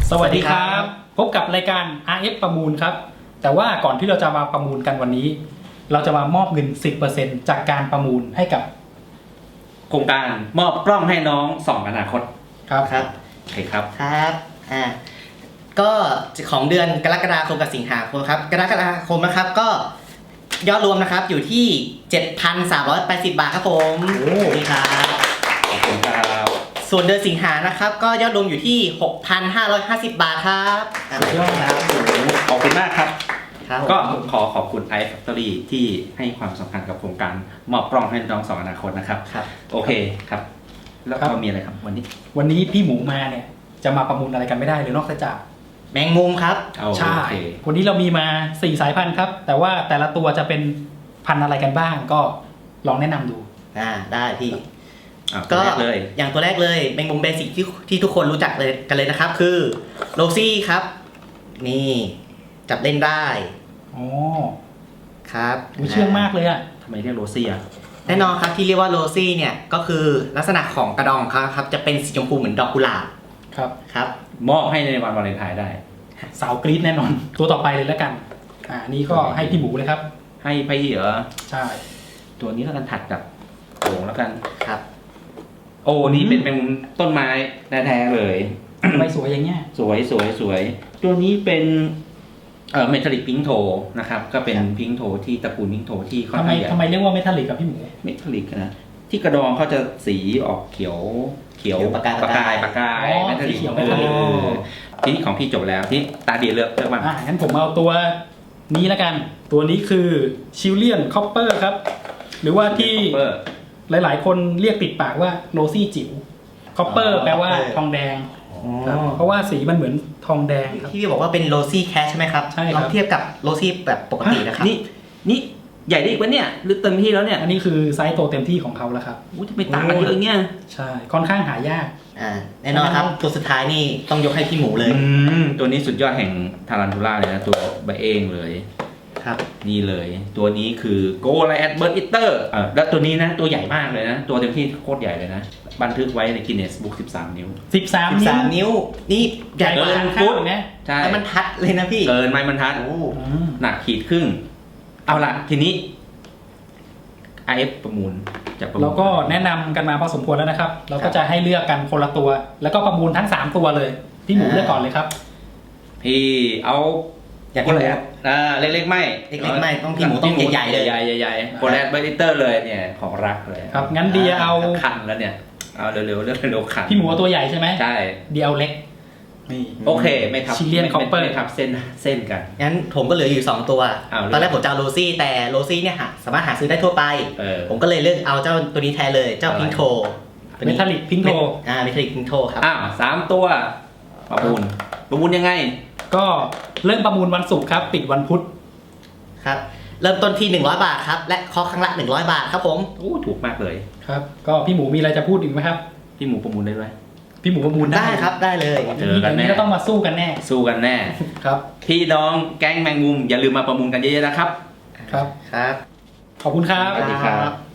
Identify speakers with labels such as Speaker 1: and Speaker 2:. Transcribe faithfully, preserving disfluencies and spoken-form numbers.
Speaker 1: สวัสดีครับพบกับรายการ อาร์ เอฟ ประมูลครับแต่ว่าก่อนที่เราจะมาประมูลกันวันนี้เราจะมามอบเงิน สิบเปอร์เซ็นต์ จากการประมูลให้กับ
Speaker 2: โครงการมอบกล้องให้น้องส่องอนาคต
Speaker 1: ครับ
Speaker 3: ครับ
Speaker 2: โอเคครับ
Speaker 3: ครับอ่าก็ของเดือนกรกฎาคมกับสิงหาคมครับกรกฎาคมนะครับก็ยอดรวมนะครับอยู่ที่ เจ็ดพันสามร้อยแปดสิบ บาทครับผม
Speaker 1: โอ้
Speaker 3: ดีครับ
Speaker 2: ขอบคุณครับ
Speaker 3: ส่วนเดือนสิงหานะครับก็ยอดรวมอยู่ที่ หกพันห้าร้อยห้าสิบ บาทครับ
Speaker 1: สุดยอดครับ
Speaker 2: ขอบคุณมากครับ
Speaker 3: ครับ
Speaker 2: ก็ขอขอบคุณ i Factory ที่ให้ความสำคัญกับโครงการมอบกล้องให้น้องส่องอนาคตนะครับ
Speaker 3: ครับ
Speaker 2: โอเคครับแล้วก็มีอะไรครับวันนี้
Speaker 1: วันนี้พี่หมูมาเนี่ยจะมาประมูลอะไรกันไม่ได้เลยนอกจาก
Speaker 3: แมงมุมครับ
Speaker 1: ใช่วันนี้เรามีมาสี่สายพันธุ์ครับแต่ว่าแต่ละตัวจะเป็นพันธุ์อะไรกันบ้างก็ลองแนะนำดู
Speaker 3: อ่าได้พี่
Speaker 2: ก็เลย
Speaker 3: อย่างตัวแรกเลยแมงมุมเบสิกที่ที่ทุกคนรู้จักเลยกันเลยนะครับคือโรซี่ครับนี่จับเล่นได้
Speaker 1: อ๋อ
Speaker 3: ครับ
Speaker 1: เชื่องมากเลยอะ
Speaker 2: ทำไมเรียกโรซี่อะ
Speaker 3: แน่นอนครับที่เรียกว่าโรซี่เนี่ยก็คือลักษณะของกระดองเขาครับจะเป็นสีชมพูเหมือนดอกกุหลาบ
Speaker 1: ครับ
Speaker 3: ครับ
Speaker 2: มอบให้ในวันวาเลนไทน์ได้
Speaker 1: สาวกรี๊ดแน่นอนตัวต่อไปเลยแล้วกันอ่านี่ก็ให้พี่หมูเลยครับ
Speaker 2: ให้พี่เหรอ
Speaker 1: ใช่
Speaker 2: ตัวนี้แล้วกันถัดกับโอ่งแล้วกัน
Speaker 3: ครับ
Speaker 2: โอ้นี่เป็นเป็นต้นไม้แท้ๆเลย
Speaker 1: ไม่สวยอย่างเงี้ย
Speaker 2: สวยสวยสวยตัวนี้เป็นเอ่อเมทัลลิกพิงโทนะครับก็เป็นพิงโทที่ตระกูลพิงโทที่
Speaker 1: ทำไมทำไมเรียกว่าเมทัลลิกกับพี่หมู
Speaker 2: เมทัลลิกนะที่กระดองเขาจะสีออกเขียวเขียว
Speaker 3: ประกาย
Speaker 2: ประกายประกาย
Speaker 1: เมทัลลิก
Speaker 2: ทีนี้ของพี่จบแล้วที่ตาเดียเลือกเลือกบ้าง
Speaker 1: อ่ะงั้นผมเอาตัวนี้แล้วกันตัวนี้คือชิลเลียนคอปเปอร์ครับหรือว่าที่หลายๆคนเรียกติดปากว่าโรซี่จิ๋วคอปเปอร์แปลว่าทองแดงเพราะว่าสีมันเหมือนทองแดง
Speaker 3: ที่พี่บอกว่าเป็นโรซี่แคชใช่ไหมครับ
Speaker 1: ใช่ค
Speaker 3: รับลองเทียบกับโรซี่แบบปกตินะครับ
Speaker 2: นี่นี่ใหญ่ได้อีกวะเนี่ยหรือเต็มที่แล้วเนี่ย
Speaker 1: อันนี้คือไซส์โตเต็มที่ของเขาแล้วครับ
Speaker 2: อู้จะไปต่างกันเยอะเงี้ย
Speaker 1: ใช่ค่อนข้างหายาก
Speaker 3: อ่าแน่นอนครับตัวสุดท้ายนี่ต้องยกให้พี่หมูเลย
Speaker 2: ตัวนี้สุดยอดแห่งทารันทูล่าเลยนะตัวใบเองเลย
Speaker 3: ครับ
Speaker 2: นี่เลยตัวนี้คือโกลแอดเบิร์ดอิตเตอร์แล้วตัวนี้นะตัวใหญ่มากเลยนะตัวเต็มที่โคตรใหญ่เลยนะบันทึกไว้ในกินเนสบุ๊กสิบสามนิ้ว
Speaker 1: สิบสาม
Speaker 3: นิ้วนี่ใหญ่
Speaker 1: กว่าฟุตนะ
Speaker 3: ใช่ไม้บรรทัดเลยนะพี่
Speaker 2: เกินไม้บรรทัดหนักขีดครึ่งเอาล่ะทีนี้ ไอ เอฟ ประมูล
Speaker 1: จะประมูลเราก็แนะนำกันมาพอสมควรแล้วนะครับเราก็จะให้เลือกกันคนละตัวแล้วก็ประมูลทั้งสามตัวเลยพี่หมูเลือกก่อนเลยครับ
Speaker 2: พี่เอา
Speaker 3: อย่างที่แล้ว
Speaker 2: อ่าเล็กๆไม่
Speaker 3: เล็กๆไม่ต้องพี่หมูต้องใหญ่ๆเลย
Speaker 2: ใหญ่ๆโกลแอดเบิร์ดอิตเตอร์เลยเนี่ยของรักเลย
Speaker 1: ครับงั้นเดียเอา
Speaker 2: คันแล้วเนี่ยเอาเร็วๆเร็วเร็วขัน
Speaker 1: พี่หมูตัวใหญ่ใช่ไหม
Speaker 2: ใช่
Speaker 1: เดียวเล็ก
Speaker 2: นี่โอเคไม่ทับ
Speaker 1: ชิลเลียนคอปเปอร์
Speaker 2: ไม่ทับเส้นเส้นกัน
Speaker 3: งั้นผมก็เหลืออยู่สองตัวตอนแรกผมจะเอาโรซี่แต่โรซี่เนี่ยสามารถหาซื้อได้ทั่วไปผมก็เลยเลือกเอาเจ้าตัวนี้แทนเลยเจ้าพิงโท
Speaker 1: เมทัลลิกพิงโท
Speaker 3: อ่าเมทัลลิกพิงโทครับ
Speaker 2: อ้าวสามตัวประมูลประมูลยังไง
Speaker 1: ก็เริ่มประมูลวันศุกร์ครับปิดวันพุธ
Speaker 3: ครับเริ่มต้นที่หนึ่งร้อยบาทครับและเคาะครั้งละหนึ่งร้อยบาทครับผม
Speaker 2: โอ้ถูกมากเลย
Speaker 1: ครับก็พี่หมูมีอะไรจะพูดอีกไหมครับ
Speaker 2: พี่หมูประมูลได้ไหม
Speaker 1: พี่หมูประมูล
Speaker 3: ได้ครับได้เลย
Speaker 2: เจอกันแน่
Speaker 1: ก็ต้องมาสู้กันแน่
Speaker 2: สู้กันแน่
Speaker 1: ครับ
Speaker 2: พี่น้องแก๊งแมงมุมอย่าลืมมาประมูลกันเยอะๆนะครับ
Speaker 1: ครับ
Speaker 3: ครับ
Speaker 1: ขอบคุณครับ
Speaker 2: สวัสดีครับ